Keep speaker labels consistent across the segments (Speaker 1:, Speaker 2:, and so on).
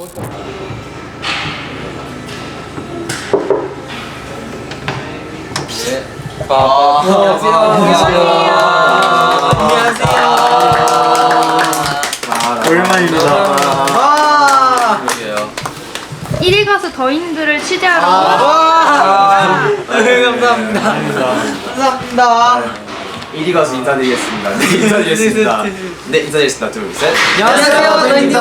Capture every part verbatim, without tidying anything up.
Speaker 1: 아, 안녕하세요.
Speaker 2: 안녕하세요.
Speaker 1: 안녕하세요.
Speaker 2: 오랜만입니다.
Speaker 1: 아, 그러게요.
Speaker 3: 일 위 가수 더인들을 취재하러
Speaker 2: 아, 네, 감사합니다. 감사합니다.
Speaker 4: 일 위 가수 인사드리겠습니다. 네, 인사드리겠습니다. 네, 인사드리겠습니다. 둘, 셋.
Speaker 2: 안녕하세요, 더인입니다.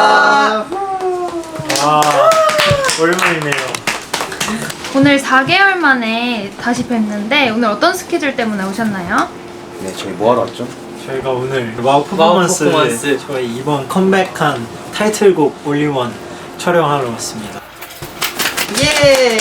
Speaker 5: 아, 오랜만이네요.
Speaker 3: 오늘 사 개월 만에 다시 뵙는데 오늘 어떤 스케줄 때문에 오셨나요?
Speaker 4: 네, 저희 뭐 하러 왔죠?
Speaker 5: 저희가 오늘 와우 퍼포먼스,
Speaker 2: 와우 퍼포먼스.
Speaker 5: 저희 이번 컴백한 타이틀곡 올리원 촬영하러 왔습니다.
Speaker 2: 예.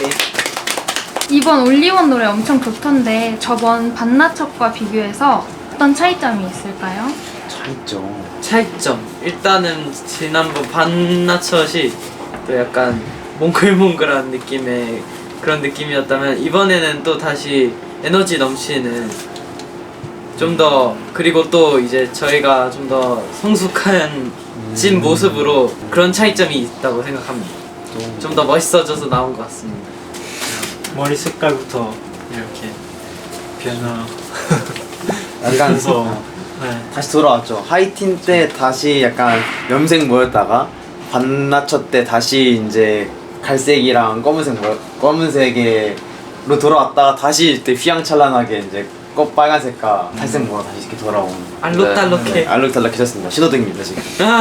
Speaker 3: 이번 올리원 노래 엄청 좋던데 저번 반나척과 비교해서 어떤 차이점이 있을까요?
Speaker 4: 차이점.
Speaker 2: 차이점. 일단은 지난번 반나처시 또 약간 몽글몽글한 느낌의 그런 느낌이었다면 이번에는 또 다시 에너지 넘치는 좀 더 그리고 또 이제 저희가 좀 더 성숙한 진 모습으로 그런 차이점이 있다고 생각합니다. 좀 더 멋있어져서 나온 것 같습니다.
Speaker 5: 머리 색깔부터 이렇게 변화.
Speaker 4: 약간
Speaker 5: 그래서 네.
Speaker 4: 다시 돌아왔죠. 하이틴 때 다시 약간 염색 모였다가 반나처 때 다시 이제 갈색이랑 검은색 모 검은색으로 돌아왔다가 다시 이때 휘황찬란하게 이제 꽃 빨간색과 탈색 모로 다시 이렇게 돌아온.
Speaker 2: 알록달록해.
Speaker 4: 네, 알록달록해졌습니다. 신호등입니다 지금.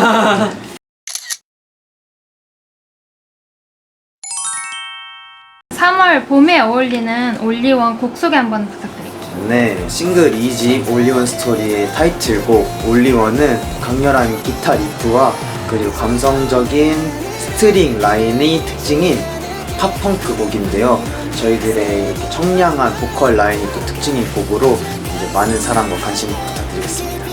Speaker 3: 삼월 봄에 어울리는 올리원 곡 소개 한번 부탁드릴게요.
Speaker 4: 네, 싱글 이 집 올리원 스토리의 타이틀곡 올리원은 강렬한 기타 리프와 그리고 감성적인 스트링 라인이 특징인 팝펑크 곡인데요. 저희들의 이렇게 청량한 보컬 라인이 또 특징인 곡으로 이제 많은 사랑과 관심 부탁드리겠습니다.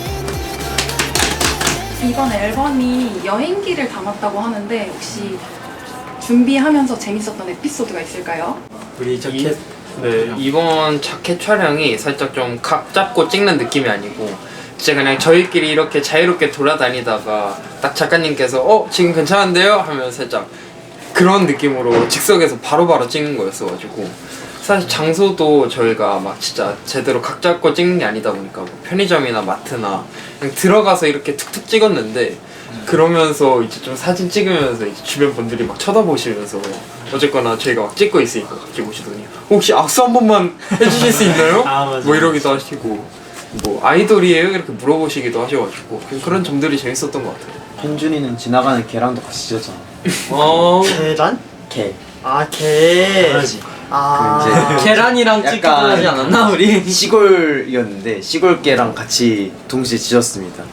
Speaker 6: 이번 앨범이 여행기를 담았다고 하는데 혹시 준비하면서 재밌었던 에피소드가 있을까요?
Speaker 5: 우리 자켓
Speaker 1: 네, 이번 자켓 촬영이 살짝 좀 각 잡고 찍는 느낌이 아니고 진짜 그냥 저희끼리 이렇게 자유롭게 돌아다니다가 딱 작가님께서 어? 지금 괜찮은데요? 하면 살짝 그런 느낌으로 즉석에서 바로바로 찍는 거였어가지고 사실 장소도 저희가 막 진짜 제대로 각 잡고 찍는 게 아니다 보니까 뭐 편의점이나 마트나 그냥 들어가서 이렇게 툭툭 찍었는데 그러면서 이제 좀 사진 찍으면서 이제 주변 분들이 막 쳐다보시면서 어쨌거나 저희가 막 찍고 있으니까 갑자기 오시더니 혹시 악수 한 번만 해주실 수 있나요?
Speaker 5: 아, 맞아.
Speaker 1: 뭐 이러기도 하시고 뭐 아이돌이에요? 이렇게 물어보시기도 하셔가지고 그런 점들이 재밌었던 것 같아요.
Speaker 4: 현준이는 지나가는 개랑도 같이 찢었잖아.
Speaker 2: 어.
Speaker 5: 계란?
Speaker 4: 개.
Speaker 5: 아, 개.
Speaker 4: 그
Speaker 2: 아.
Speaker 4: 이제
Speaker 2: 계란이랑 찍기도
Speaker 4: 약간
Speaker 2: 하지 않았나 우리?
Speaker 4: 시골이었는데 시골개랑 같이 동시에 찢었습니다.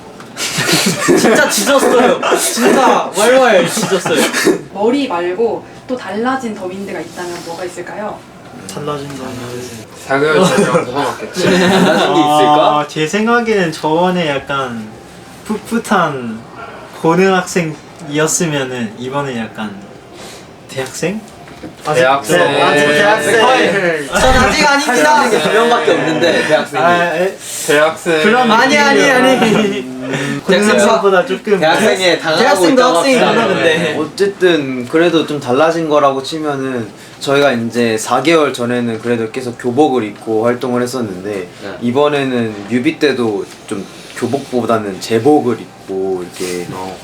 Speaker 2: 진짜 짖었어요. 진짜 왈왈 짖었어요.
Speaker 6: 머리 말고 또 달라진 더윈드가 있다면 뭐가 있을까요?
Speaker 5: 달라진 거는
Speaker 1: 사 개월 전이랑 뭐가 맞겠지?
Speaker 4: 달라진 게 있을까?
Speaker 5: 아, 제 생각에는 저번에 약간 풋풋한 고등학생이었으면은 이번에 약간 대학생?
Speaker 1: 대학생.
Speaker 5: 네, 아직 대학생.
Speaker 2: 전 아직 아닙니다.
Speaker 4: 두 명밖에 없는데 대학생이.
Speaker 5: 아, 에,
Speaker 1: 대학생.
Speaker 5: 그런
Speaker 2: 아니 아니 아니.
Speaker 5: 고등학생보다 조금
Speaker 4: 대학생에 당하고
Speaker 2: 대학생도
Speaker 4: 있다고
Speaker 2: 학생이잖아,
Speaker 4: 합시다.
Speaker 2: 근데.
Speaker 4: 어쨌든 그래도 좀 달라진 거라고 치면은 저희가 이제 사 개월 전에는 그래도 계속 교복을 입고 활동을 했었는데
Speaker 1: 네.
Speaker 4: 이번에는 뮤비 때도 좀 교복보다는 제복을 입고 이렇게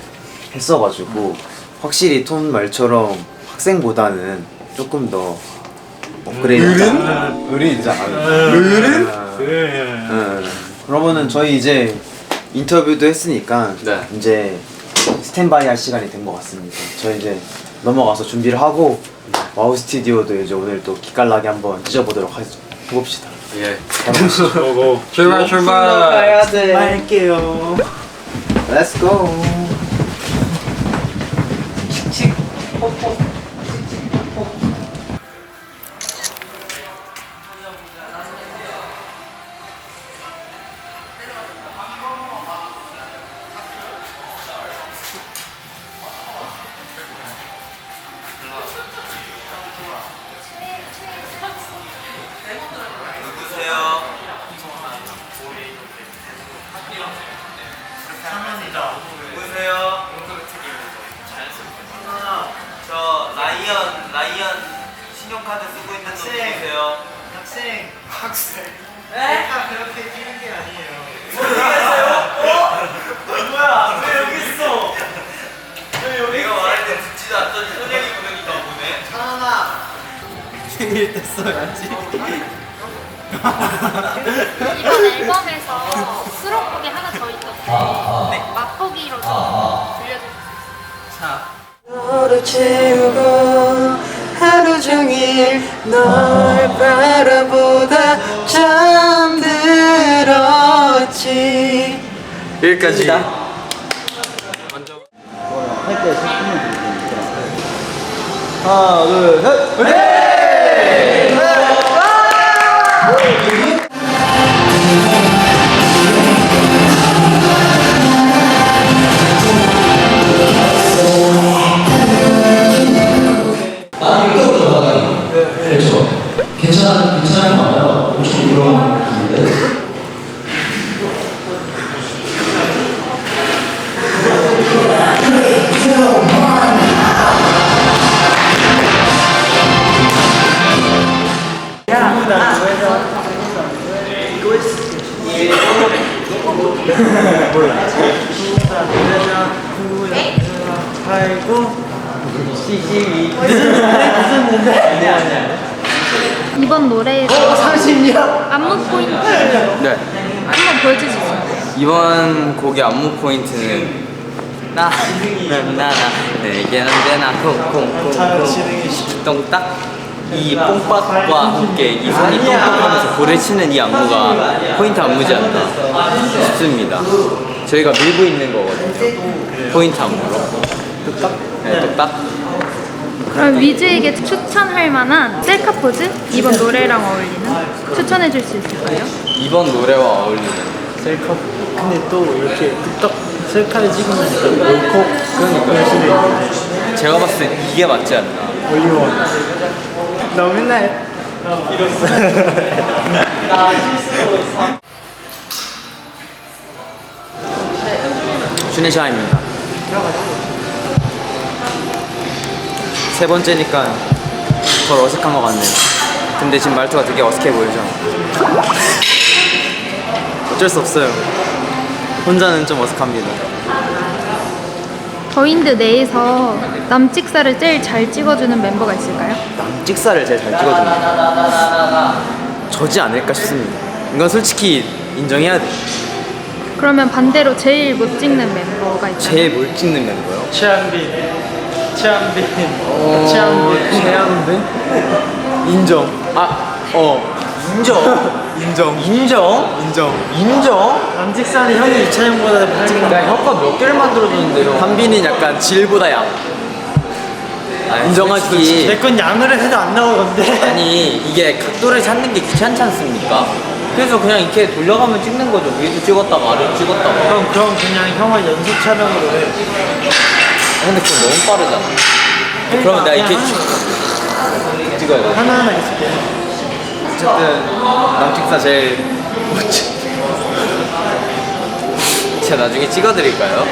Speaker 4: 했어가지고 확실히 톤 말처럼 학생보다는 조금 더 업그레이드.
Speaker 5: 어른?
Speaker 4: 어른이지 않아.
Speaker 5: 어른?
Speaker 4: 응. 그러면은 저희 이제 인터뷰도 했으니까
Speaker 1: 네.
Speaker 4: 이제 스탠바이 할 시간이 된 것 같습니다. 저희 이제 넘어가서 준비를 하고 와우 스튜디오도 이제 오늘 또 기깔나게 한번 찢어보도록 하, 해봅시다.
Speaker 1: 예.
Speaker 5: 보고
Speaker 1: 출발 출발.
Speaker 2: 가야 돼.
Speaker 5: 할게요.
Speaker 4: Let's go.
Speaker 5: 상현이다.
Speaker 4: 보세요.
Speaker 2: 라이언 라이언 신용카드 쓰고 있는 분 보세요.
Speaker 5: 학생 학생
Speaker 2: 네?
Speaker 5: 다 그렇게 뛰는 게 아니에요.
Speaker 2: 뭐야? 왜 여기 있어? 왜 여기 내가 말할 때 듣지도 않더니 현영이 보내니까 보네.
Speaker 5: 하나 생일 때 써야지.
Speaker 3: 이번 앨범에서 수록곡이 하나 더 있던데 맛보기로 좀 들려주세요.
Speaker 1: 너를 채우고 하루 종일 널 바라보다 잠들었지. 여기까지. 먼저
Speaker 4: 할때 소품을 드리니까. 하나, 둘, 셋. 화이팅!
Speaker 7: 괜찮아, 괜찮은 거 알아요? 엄청 부러운 느낌인데?
Speaker 3: 이번 노래에서 안무 포인트
Speaker 1: 네.
Speaker 3: 한번 보여줄 수 있어요?
Speaker 1: 이번 곡의 안무 포인트는 나, 나, 나, 내게 언제나 콩콩콩콩 똥딱 이 뽕빡과 함께 이 손이 똥딱하면서 볼을 치는 이 안무가 포인트 안무지 않나 싶습니다. 저희가 밀고 있는 거거든요. 포인트 안무로. 뚝딱? 네, 뚝딱.
Speaker 3: 그럼 위즈에게 추천할 만한 셀카 포즈? 이번 노래랑 어울리는? 추천해 줄 수 있을까요?
Speaker 1: 이번 노래와 어울리는
Speaker 5: 셀카. 근데 또 이렇게 뚝딱 셀카를 찍으면서 옳고 그러니까
Speaker 1: 제가 봤을 땐 이게 맞지 않나.
Speaker 5: 올리원. 너 맨날
Speaker 1: 쉬는 시간입니다. 세 번째니까 덜 어색한 것 같네요. 근데 지금 말투가 되게 어색해 보이죠? 어쩔 수 없어요. 혼자는 좀 어색합니다.
Speaker 3: 더윈드 내에서 남찍사를 제일 잘 찍어주는 멤버가 있을까요?
Speaker 1: 찍사를 제일 잘 찍어줍니다. 저지 않을까 싶습니다. 이건 솔직히 인정해야 돼.
Speaker 3: 그러면 반대로 제일 못 찍는 멤버가 있다면?
Speaker 1: 제일 못 찍는 멤버요?
Speaker 5: 최한빈. 최한빈.
Speaker 1: 어...
Speaker 5: 최한빈.
Speaker 1: 최한빈? 인정. 아, 어. 인정. 인정. 인정? 인정. 인정?
Speaker 5: 남직사는 형이 이차영보다 못 찍는
Speaker 1: 나 혀가 몇 개를 만들어줬는데요. 한빈이 약간 질보다 양. 아, 인정하지.
Speaker 5: 내 건 양을 해도 안 나오던데.
Speaker 1: 아니 이게 각도를 찾는 게 귀찮지 않습니까? 그래서 그냥 이렇게 돌려가면 찍는 거죠. 위도 찍었다가 아래도 찍었다가.
Speaker 5: 그럼 그럼 그냥 형을 연습 촬영으로 해.
Speaker 1: 아, 근데 그건 너무 빠르잖아. 그러면 내가 이렇게 쭉 찍어야 돼.
Speaker 5: 하나하나 있을게.
Speaker 1: 어쨌든 남직사 제일 못 찍. 제가 나중에 찍어드릴까요?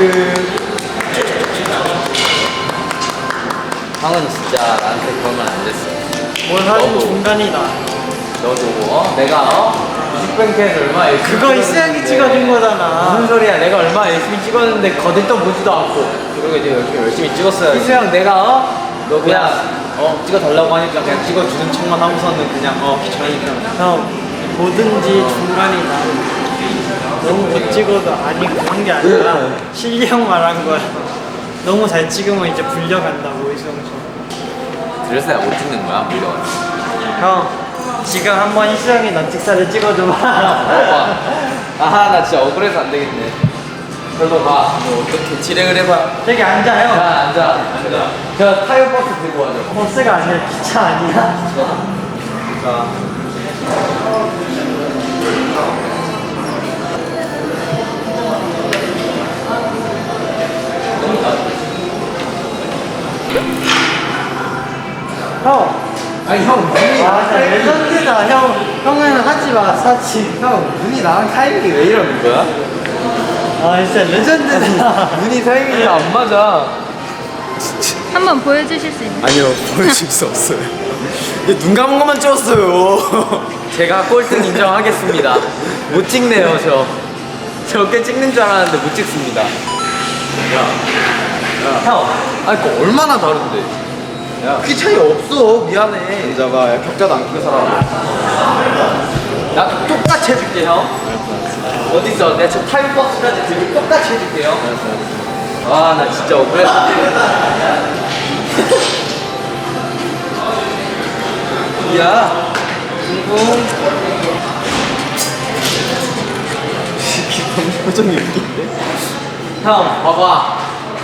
Speaker 1: 형은 진짜 나한테 그런 말 안 됐어.
Speaker 5: 뭘 하든
Speaker 1: 너도.
Speaker 5: 중간이다.
Speaker 1: 너도 어? 내가 어? 뮤직뱅크에서 얼마나 열심히
Speaker 5: 그거 이수영이 찍어준 거잖아.
Speaker 1: 무슨 소리야? 내가 얼마나 열심히 찍었는데 거들떠 보지도 않고. 그리고 이제 열심히 열심히 찍었어요. 이수영 내가 어? 너 그냥 어 찍어달라고 하니까 그냥 찍어주는 척만 하고서는 그냥 어 귀찮으니까.
Speaker 5: 형 뭐든지 중간이다. 너무 못 찍어도 아니 그런 게 아니라 실력 말한 거야. 너무 잘 찍으면 이제 불려간다고 이수영 씨.
Speaker 1: 그래서 내가 못 찍는 거야? 물론.
Speaker 5: 형 지금 한번 이수영이 넌찍사를 찍어줘봐.
Speaker 1: 오빠. 아하 나 진짜 억울해서 안 되겠네. 별로 가. 뭐 어떻게 진행을 해봐.
Speaker 5: 저기 앉아 형.
Speaker 1: 자 앉아. 앉아. 저 타이어 버스 들고 와줘.
Speaker 5: 버스가 아니라 기차 아니야?
Speaker 1: 자.
Speaker 5: 형.
Speaker 1: 아니 형 눈이
Speaker 5: 아 진짜 레전드다 형. 형은 하지 마 사치.
Speaker 1: 형 눈이 나랑 타이밍이 왜 이러는 거야?
Speaker 5: 아 진짜 레전드다.
Speaker 1: 눈이 타이밍이 안 맞아.
Speaker 3: 한번 보여주실 수 있나요?
Speaker 4: 아니요, 보여줄 수 없어요. 근데 눈 감은 것만 찍었어요.
Speaker 2: 제가 꼴등 인정하겠습니다. 못 찍네요, 저. 저 꽤 찍는 줄 알았는데 못 찍습니다. 야, 야. 형, 아니 그 얼마나 다른데? 야, 키 차이 없어. 미안해.
Speaker 4: 여자가 격자도 안 크게 살아.
Speaker 2: 나도 똑같이 해줄게, 형. 어딨어? 내가 저 타임박스까지 들고 똑같이 해줄게요. 아, 나 진짜 억울해. 야, 붕붕.
Speaker 4: 표정이 웃긴데?
Speaker 2: 형, 봐봐.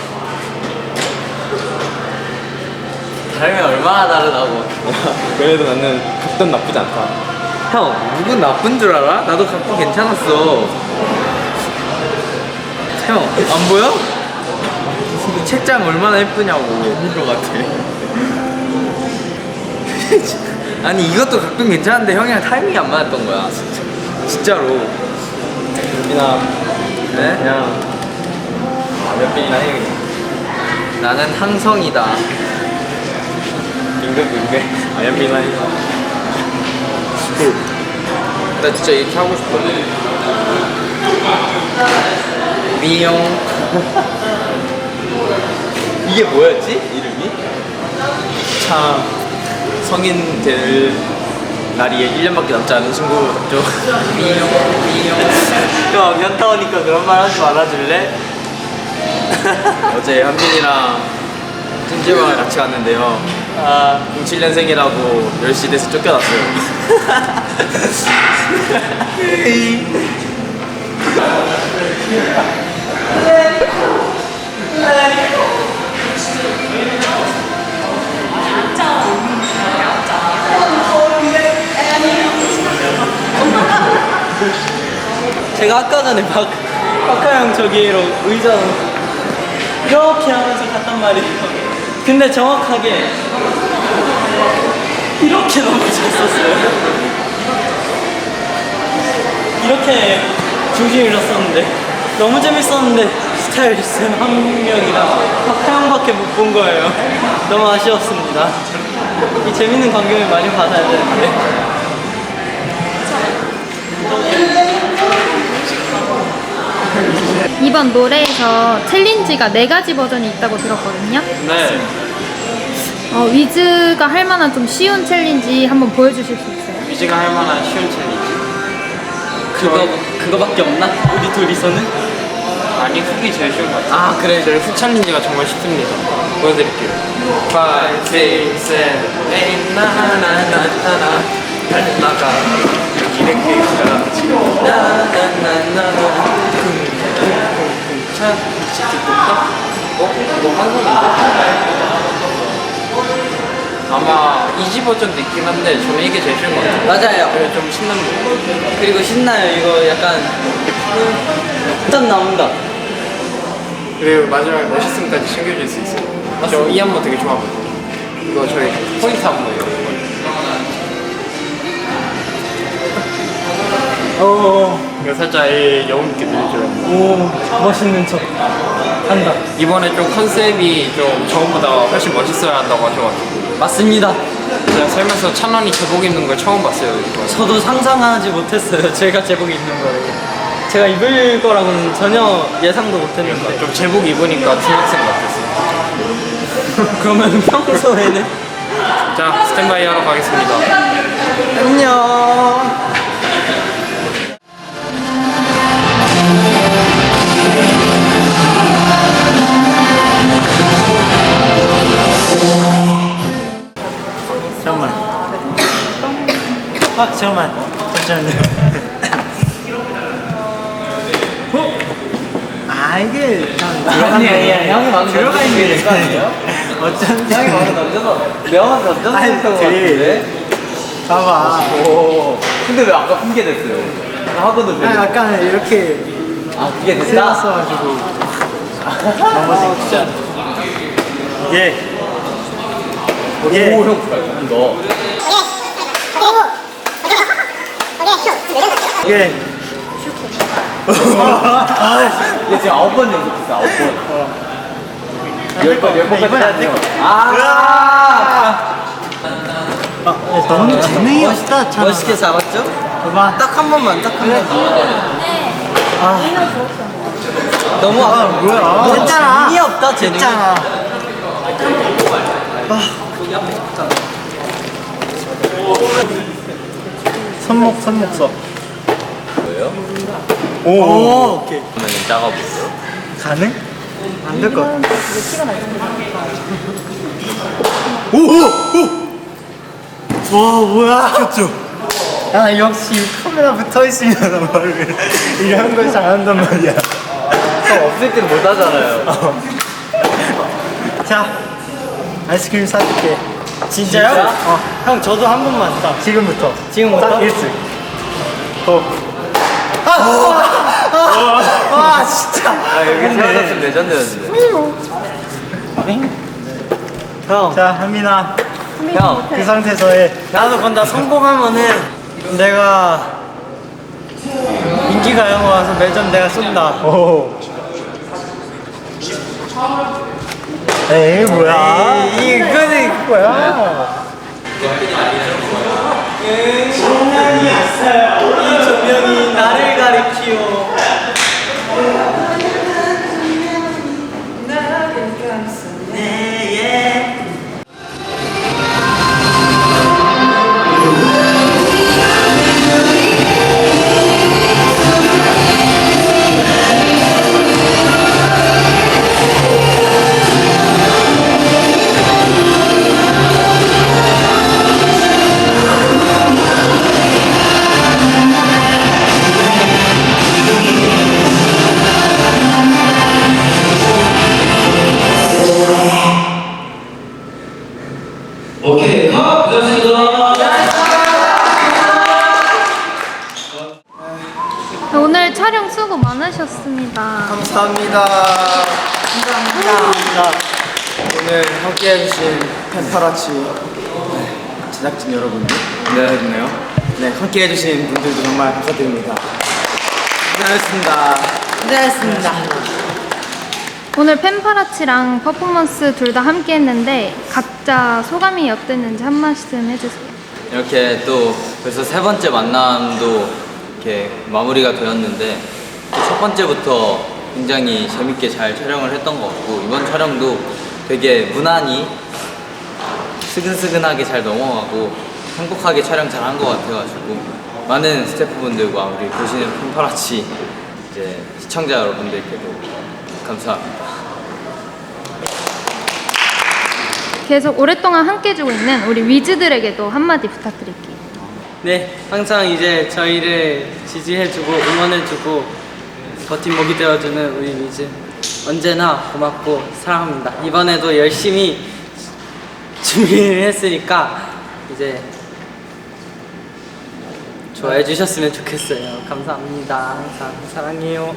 Speaker 2: 다르면 얼마나 다르다고.
Speaker 4: 그래도 나는 각도는 나쁘지 않다.
Speaker 2: 형, 누군 나쁜 줄 알아? 나도 각도 괜찮았어. 형, 안 보여? 이 책장 얼마나 예쁘냐고.
Speaker 4: 아닌 것 같아.
Speaker 2: 아니, 이것도 각도 괜찮은데 형이랑 타이밍이 안 맞았던 거야. 진짜. 진짜로.
Speaker 4: 민아,
Speaker 2: 네?
Speaker 4: 그냥 몇 bin이나 해 그냥.
Speaker 2: 나는 항성이다.
Speaker 4: 임금 임금. 아, 몇 bin이나 해.
Speaker 2: 나 진짜 이렇게 하고 싶거든. 미용. 이게 뭐였지? 이름이?
Speaker 4: 참 성인 될 날이 일 년밖에 남지 않은 친구죠.
Speaker 2: 미용, 미용.
Speaker 5: 형 현타오니까 그런 말 하지 말아줄래?
Speaker 4: 어제 한빈이랑 찜질방을 같이 갔는데요.
Speaker 5: 아
Speaker 4: 공칠 년생이라고 열 시 돼서 쫓겨났어요.
Speaker 5: 제가 아까 전에 박, 박하 형 저기로 의자 이렇게 하면서 갔단 말이에요. 근데 정확하게 이렇게 넘어졌었어요. 이렇게 중심 잃었었는데 너무 재밌었는데 스타일리스트 한 명이랑 박하 형밖에 못 본 거예요. 너무 아쉬웠습니다. 이 재밌는 광경을 많이 받아야 되는데.
Speaker 3: 이번 노래에서 챌린지가 네 가지 버전이 있다고 들었거든요.
Speaker 1: 네.
Speaker 3: 어, 위즈가 할 만한 좀 쉬운 챌린지 한번 보여주실 수 있어요?
Speaker 1: 위즈가 할 만한 쉬운 챌린지.
Speaker 2: 그거, 그거밖에 없나? 우리 둘이서는?
Speaker 1: 아니 훅이 제일 쉬운 것 같아요.
Speaker 2: 아, 그래.
Speaker 1: 저희 훅 챌린지가 정말 쉽습니다. 보여드릴게요. five, six, seven, eight, 나나나나나 달나가 이렇게 나나나나나 차 치키토카 어? 이거 한손인데? 아마 이지 버전도 있긴 한데 저는 이게 제일 쉬운 것 같아요.
Speaker 2: 맞아요.
Speaker 1: 그래 좀 신나는 거.
Speaker 2: 그리고 신나요. 이거 약간 짠 나온다.
Speaker 1: 그리고 마지막에 멋있음까지 챙겨줄 수 있어요. 저 이 안무 되게 좋아하거든요. 이거 저희 포인트 안무예요.
Speaker 5: 오,
Speaker 1: 이거 살짝 이 여운 있게 들려줘요.
Speaker 5: 오 멋있는 척 한다.
Speaker 1: 이번에 좀 컨셉이 좀 저번보다 훨씬 멋있어야 한다고 하셔가지고
Speaker 2: 맞습니다.
Speaker 1: 제가 살면서 찬원이 제복 입는 걸 처음 봤어요. 이거.
Speaker 5: 저도 상상하지 못했어요. 제가 제복 입는 거를. 제가 입을 거라고는 전혀 예상도 못했는데.
Speaker 1: 좀 제복 입으니까 중학생 같았어요.
Speaker 5: 그러면 평소에는
Speaker 1: 자, 스탠바이 하러 가겠습니다.
Speaker 5: 안녕. 잠깐만. 아 잠깐만. 잠시만요. 어? 아 이게
Speaker 2: 아니, 아니, 형이 방금
Speaker 5: 들어가 있는 게
Speaker 2: 거 아니에요?
Speaker 5: 어쩐지.
Speaker 2: 형이 방금 던져서 명함 던져서
Speaker 5: 아니,
Speaker 2: 했던 것
Speaker 5: 되게-
Speaker 2: 같은데?
Speaker 5: 봐봐.
Speaker 2: 오. 근데 왜 아까 핑계 됐어요? 하고도
Speaker 5: 아 약간 이렇게
Speaker 2: 아, 그게 됐다?
Speaker 5: 세웠어가지고 넘어진
Speaker 2: 진짜.
Speaker 5: 예. 예.
Speaker 2: 오, 형 잘한다.
Speaker 5: 예.
Speaker 2: 얘 지금 아홉 번 연속했어, 아홉 번.
Speaker 5: 안될 거. 이번에 안될 거.
Speaker 2: 아!
Speaker 5: 아, 너무 재능이 없다.
Speaker 2: 멋있게 잡았죠?
Speaker 5: 봐봐.
Speaker 2: 딱 한 번만, 딱 한 번만. 아. 너무 아,
Speaker 5: 뭐야? 아,
Speaker 2: 됐잖아. 재능이 없다, 재능이.
Speaker 5: 됐잖아. 손목 손목 써.
Speaker 2: 뭐예요?
Speaker 5: 오, 오 오케이.
Speaker 2: 그러면 작아보세요.
Speaker 5: 가능? 안 될 것 같아. 오! 오! 오! 와 뭐야? 켰죠? 야 역시 카메라 붙어 있으면 말을 이런 걸 잘한단 말이야.
Speaker 2: 형 없을 땐 못 하잖아요.
Speaker 5: 자 아이스크림 사줄게. 진짜요?
Speaker 2: 진짜?
Speaker 5: 어. 형 저도 한 번만 딱. 지금부터.
Speaker 2: 지금부터?
Speaker 5: 딱 일 승. 어. 아! 아! 아! 진짜.
Speaker 2: 아, 여기 세워졌으면 레전드였는데.
Speaker 5: 형. 자 한민아.
Speaker 2: 형,
Speaker 5: 그 상태에서 해. 나도 건다 성공하면은 내가 인기가요 와서 매점 내가 쏜다. 오. 에이 뭐야? 에이, 이거는 뭐야?
Speaker 2: 이 조명이 나를 가리키오.
Speaker 7: 오케이, 컷! 고생하셨습니다.
Speaker 3: 오늘 촬영 수고 많으셨습니다.
Speaker 4: 감사합니다. 감사합니다. 오늘 함께 해주신 펜파라치 네, 제작진 여러분들 네, 네 함께 해주신 분들도 정말 감사드립니다. 고생하셨습니다. 고생하셨습니다.
Speaker 3: 오늘 펜파라치랑 퍼포먼스 둘 다 함께 했는데 각자 소감이 어땠는지 한 말씀 해주세요.
Speaker 2: 이렇게 또 벌써 세 번째 만남도 이렇게 마무리가 되었는데 또 첫 번째부터 굉장히 재밌게 잘 촬영을 했던 것 같고 이번 촬영도 되게 무난히 스근스근하게 잘 넘어가고 행복하게 촬영 잘 한 것 같아가지고 많은 스태프분들과 우리 보시는 펜파라치 이제 시청자 여러분들께도 감사합니다.
Speaker 3: 계속 오랫동안 함께 해주고 있는 우리 위즈들에게도 한마디 부탁드릴게요.
Speaker 8: 네, 항상 이제 저희를 지지해주고 응원해주고 버팀목이 되어주는 우리 위즈 언제나 고맙고 사랑합니다. 이번에도 열심히 준비를 했으니까 이제 좋아해 주셨으면 좋겠어요. 감사합니다. 항상 사랑해요.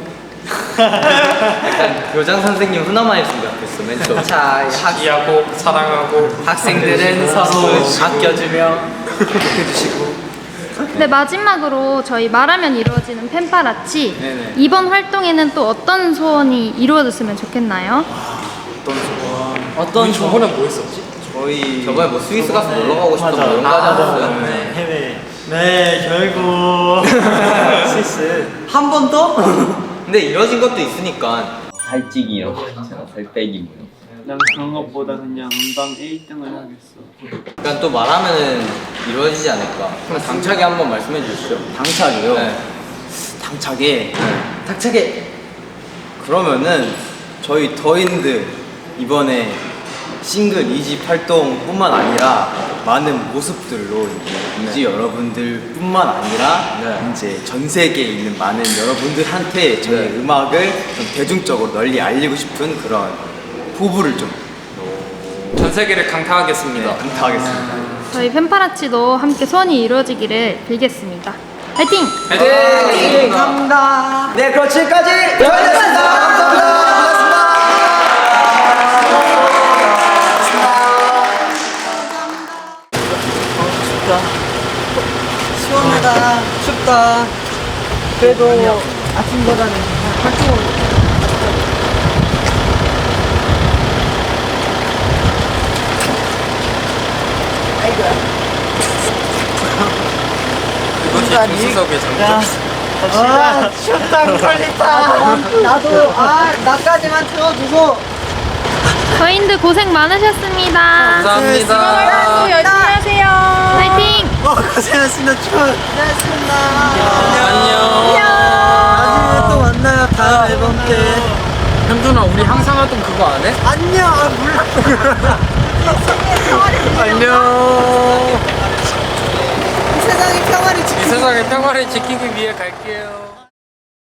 Speaker 2: 약간 교장 선생님 훈화만 했으면 좋겠어 맨 처음.
Speaker 8: 자,
Speaker 1: 이해하고 사랑하고
Speaker 8: 학생들은 서로 아껴주며
Speaker 2: 해주시고.
Speaker 3: 네, 마지막으로 저희 말하면 이루어지는 펜파라치
Speaker 2: 네네.
Speaker 3: 이번 활동에는 또 어떤 소원이 이루어졌으면 좋겠나요?
Speaker 8: 어떤
Speaker 1: 저번에 뭐 했었지?
Speaker 2: 저희 저번에 뭐 스위스 가서 놀러 가고 싶던 뭐 이런 거 하지 않았어요? 네.
Speaker 5: 해외. 네 결국 스위스.
Speaker 2: 한 번 더? 근데 이뤄진 것도 있으니까 살찌기 이런 거 있잖아. 살 빼기 뭐.
Speaker 8: 난 그런 것보다 그냥 음방 일 등을 하겠어.
Speaker 2: 약간 또 말하면은 이루어지지 않을까. 그럼 당차게 한번 말씀해 주시죠.
Speaker 4: 당차게요.
Speaker 2: 네.
Speaker 4: 당차게. 당차게. 그러면은 저희 더인드 이번에 싱글 이 집 활동뿐만 아니라 많은 모습들로 이제 이지 여러분들뿐만 아니라
Speaker 2: 네.
Speaker 4: 이제 전 세계에 있는 많은 여러분들한테 저희
Speaker 2: 네.
Speaker 4: 음악을 좀 대중적으로 널리 알리고 싶은 그런 포부를 좀
Speaker 1: 전 세계를 강타하겠습니다.
Speaker 4: 강타하겠습니다.
Speaker 3: 저희 펜파라치도 함께 소원이 이루어지기를 빌겠습니다. 화이팅!
Speaker 4: 네, 감사합니다. 네, 그럼 지금까지 더인드였습니다. 감사합니다.
Speaker 8: 시원하다. 춥다. 그래도 아침보다는 활동을
Speaker 1: 조수석의 장점.
Speaker 5: 아, 슈당 걸렸다. 나도, 아, 나까지만 태워주소.
Speaker 3: 저희들 고생 많으셨습니다.
Speaker 1: 감사합니다.
Speaker 6: 열심히 하세요.
Speaker 3: 화이팅!
Speaker 5: 어, 고생하셨습니다. 축 고생하셨습니다.
Speaker 1: 안녕.
Speaker 5: 나중에 또 만나요. 다음 앨범 때.
Speaker 1: 현준아, 우리 항상 하던 그거 안 해?
Speaker 5: 안녕. 아, 몰라.
Speaker 1: 안녕.
Speaker 5: 이 세상의 평화를 지키기
Speaker 1: 이 세상의 평화를 지키기 위해 갈게요.